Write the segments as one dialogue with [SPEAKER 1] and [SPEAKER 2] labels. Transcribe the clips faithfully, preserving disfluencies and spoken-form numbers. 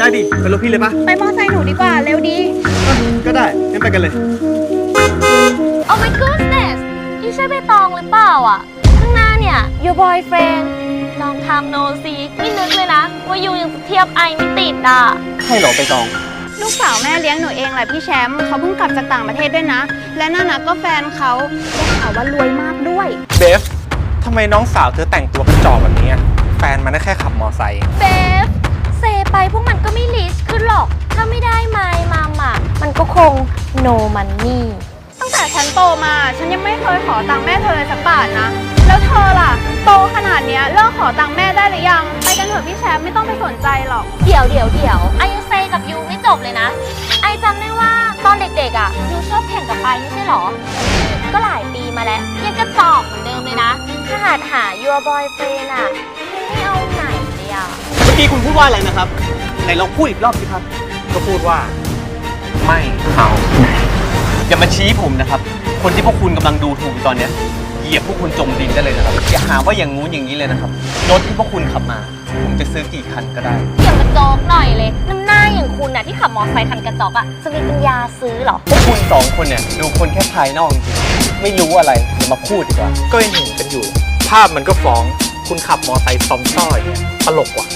[SPEAKER 1] ได้ดิเป็นรถพี่เลยปะ
[SPEAKER 2] ไปมอไซค์หนูดีกว่าเร็วดี
[SPEAKER 1] ก็ได้งั้นไปกันเลย
[SPEAKER 3] Oh my goodness นี่ใช่ใบตองหรือเปล่าอ่ะข้างหน้าเนี่ย your boyfriend ลองทำโนซีไม่นึกเลยนะว่ายูยังจะเทียบไอไม่ติดอ่ะ
[SPEAKER 1] ใช่เหรอไปตอง
[SPEAKER 2] ลูกสาวแม่เลี้ยงหนูเองแหละพี่แชมป์เขาเพิ่งกลับจากต่างประเทศด้วยนะและนั่นนะก็แฟนเขาได้ข่าวว่ารวยมากด้วย
[SPEAKER 4] เบฟทำไมน้องสาวเธอแต่งตัวกระจอกแบบนี้แฟนมันได้แค่ขับมอไซค์
[SPEAKER 3] เบฟเซไปพวกมันก็ไม่ลิสขึ้นหรอกถ้าไม่ได้ไมล์มาหมักมันก็คง no money
[SPEAKER 2] ตั้งแต่ฉันโตมาฉันยังไม่เคยขอตังค์แม่เธอเลยสักบาทนะแล้วเธอล่ะโตขนาดเนี้ยเลิกขอตังค์แม่ได้หรือยังไปกันเถอะพี่แชมป์ไม่ต้องไปสนใจหรอก
[SPEAKER 3] เดี๋ยวเดี๋ยวเดี๋ยวไอยังเซกับยูไม่จบเลยนะไอจำได้ว่าตอนเด็กๆอ่ะยูชอบแข่งกับไปไม่ใช่หรอก็หลายปีมาแล้วยังกระจอกเหมือนเดิมเลยนะถ้าหาหา your boyfriend อ่ะไม่เอาไหนเลยอ่ะ
[SPEAKER 1] เมื่อกี้คุณพูดว่าอะไรนะครับไหนลองพูดอีกรอบสิครับ
[SPEAKER 4] ก็พูดว่าไม่เอา
[SPEAKER 1] อย่ามาชี้ผมนะครับคนที่พวกคุณกำลังดูถูกตอนเนี้ยเหยียบพวกคุณจมดินได้เลยนะครับอย่าหาว่าอย่างงู้นอย่างนี้เลยนะครับรถที่พวกคุณขับมาผมจะซื้อกี่คันก็ได้
[SPEAKER 3] อย่ากระจอกหน่อยเลยน้ำหน้าอย่างคุณน่ะที่ขับมอเตอร์ไซค์คันกระจอกอ่ะจะมีปัญญาซื้อเหรอ
[SPEAKER 1] พวกคุณสองคนเนี่ยดูคนแค่ภายนอกจริงๆไม่รู้อะไรอย่ามาพูดดีกว่า
[SPEAKER 4] ก็ยังเห็นกันอยู่ ภาพมันก็ฟ้องคุณขับมอไซค์ซ้อมซ้อยตลกว่ะ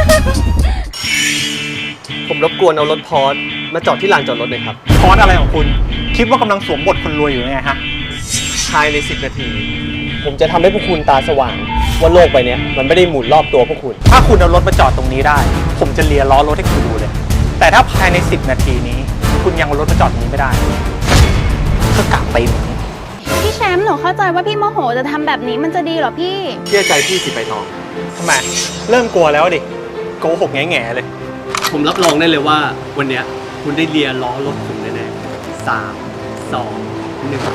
[SPEAKER 1] ผมรบกวนเอารถพอร์ตมาจอดที่ลานจอดรถหน่อยครับ
[SPEAKER 4] พอดอะไรของคุณ คิดว่ากำลังสวมบทคนรวยอยู่ไงฮะ
[SPEAKER 1] ภายในสิบนาที ผมจะทำให้พวกคุณตาสว่างว่าโลกใบนี้มันไม่ได้หมุนรอบตัวพวกคุณ
[SPEAKER 4] ถ้าคุณเอารถมาจอดตรงนี้ได้ ผมจะเลียล้อรถให้คุณดูเลย แต่ถ้าภายในสิบนาทีนี้ คุณยังเอารถมาจอดตรงนี้ไม่ได้ก็กลับไปเหมือน
[SPEAKER 2] พี่แชมป์หนูเข้าใจว่าพี่โมโหจะทำแบบนี้มันจะดีเหรอพี่
[SPEAKER 1] เชื่อใจพี่สิไปทอง
[SPEAKER 4] ทำไมเริ่มกลัวแล้วดิโกหกแง่ๆเลย
[SPEAKER 1] ผมรับรองได้เลยว่าวันเนี้ยคุณได้เลียล้อรถผมแน่ๆสามสองหนึ่ง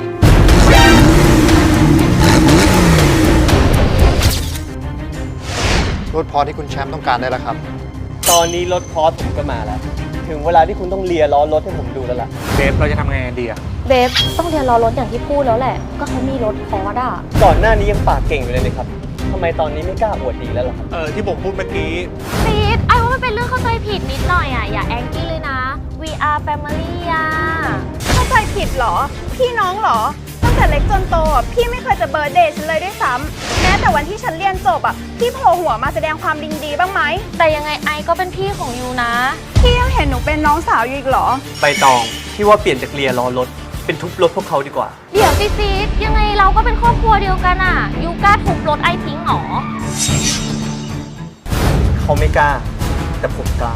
[SPEAKER 5] รถพอที่คุณแชมป์ต้องการได้แล้วครับ
[SPEAKER 1] ตอนนี้รถพอร์ตผมก็มาแล้ว ถึงเวลาที่คุณต้องเลียล้อรถให้ผมดูแล้วล่ะ
[SPEAKER 4] เบฟเราจะทำไงดีอะ
[SPEAKER 3] เบฟต้องเรียนรอรถอย่างที่พูดแล้วแหละ ก็เขามีรถพอร์ตอ่ะ
[SPEAKER 1] ก่อนหน้านี้ยังปากเก่งอยู่เลยนะครับทำไมตอนนี้ไม่กล้าอวดดีแล้วล่ะครับ
[SPEAKER 4] เออที่ผมพูดเมื่อกี้
[SPEAKER 3] ซีดไอว่ามันเป็นเรื่องเข้าใจผิดนิดหน่อยอ่ะ อย่าแองกี้เลยนะ we are family อ่ะ
[SPEAKER 2] เข้าใจผิดเหรอ พี่น้องเหรอ ตั้งแต่เล็กจนโตอ่ะพี่ไม่เคยจะเบิร์ธเดย์ฉันเลยด้วยซ้ำแม้แต่วันที่ฉันเรียนจบอ่ะพี่โผล่หัวมาแสดงความดีดีบ้างไหม
[SPEAKER 3] แต่ยังไงไอก็เป็นพี่ของยูนะ
[SPEAKER 2] พี่ยังเห็นหนูเป็นน้องสาวอยู่อีกเหรอ
[SPEAKER 1] ใบตองพี่ว่าเปลี่ยนจากเลียล้อรถเป็นทุบรถพวกเขาดีกว่า
[SPEAKER 3] เดี๋ยวซีซีดยังไงเราก็เป็นครอบครัวเดียวกันอ่ะ ยูกล้าทุบรถไอทิ้งหรอ
[SPEAKER 1] เขาไม่กล้า แต่ผมกล้า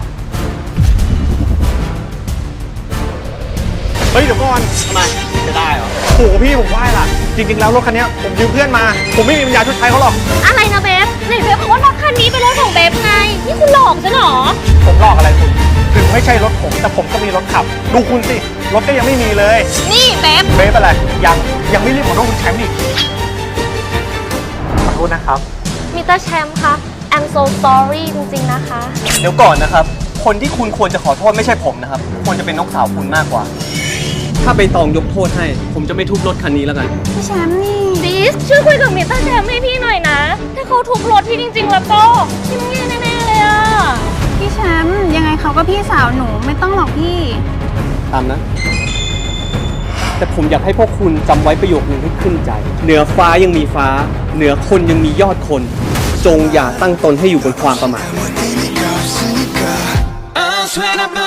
[SPEAKER 4] เฮ้ยเดี๋ยวก่อน
[SPEAKER 1] ทำไมจะได้เหรอ
[SPEAKER 4] โหพี่ผมไหว้ล่ะ จริงๆแล้วรถคันนี้ผมยืมเพื่อนมา ผมไม่มีปัญญาชดใช้เขาหรอก
[SPEAKER 3] อะไรนะเบฟไหนเบฟบอกว่ารถคันนี้เป็นรถของเบฟไง นี่คุณหลอกฉันเหรอ
[SPEAKER 4] ผมหลอกอะไรคุณ ถึงไม่ใช่รถผม แต่ผมก็มีรถขับ ดูคุณสิ รถก็ยังไม่มีเลย
[SPEAKER 3] นี่เบฟ
[SPEAKER 4] เบฟอะไร ยังยังไม่รีบขอโทษคุณแชมป์อีกขอโทษนะครับ
[SPEAKER 3] มิสเตอร์แชมป์คะ I'm so sorry จริงๆนะคะ
[SPEAKER 1] เดี๋ยวก่อนนะครับ คนที่คุณควรจะขอโทษไม่ใช่ผมนะครับ ควรจะเป็นน้องสาวคุณมากกว่า ถ้าใบตองยกโทษให้ ผมจะไม่ทุบรถคันนี้แล้วกัน
[SPEAKER 2] พี่แชมป์นี่
[SPEAKER 3] ดิสช่วยคุยกับมิสเตอร์แชมป์ให้พี่หน่อยนะ ถ้าเขาทุบรถพี่จริงๆแล้วก็พี่ต้องแย่แน่ๆเลยอ่ะ
[SPEAKER 2] พี่แชมป์ยังไงเขาก็พี่สาวหนูไม่ต้องหรอกพี่
[SPEAKER 1] ตามนะ แต่ผมอยากให้พวกคุณจำไว้ประโยคนึงให้ขึ้นใจ เหนือฟ้ายังมีฟ้า เหนือคนยังมียอดคน จงอย่าตั้งตนให้อยู่บนความประมาท
[SPEAKER 6] I'll sweat up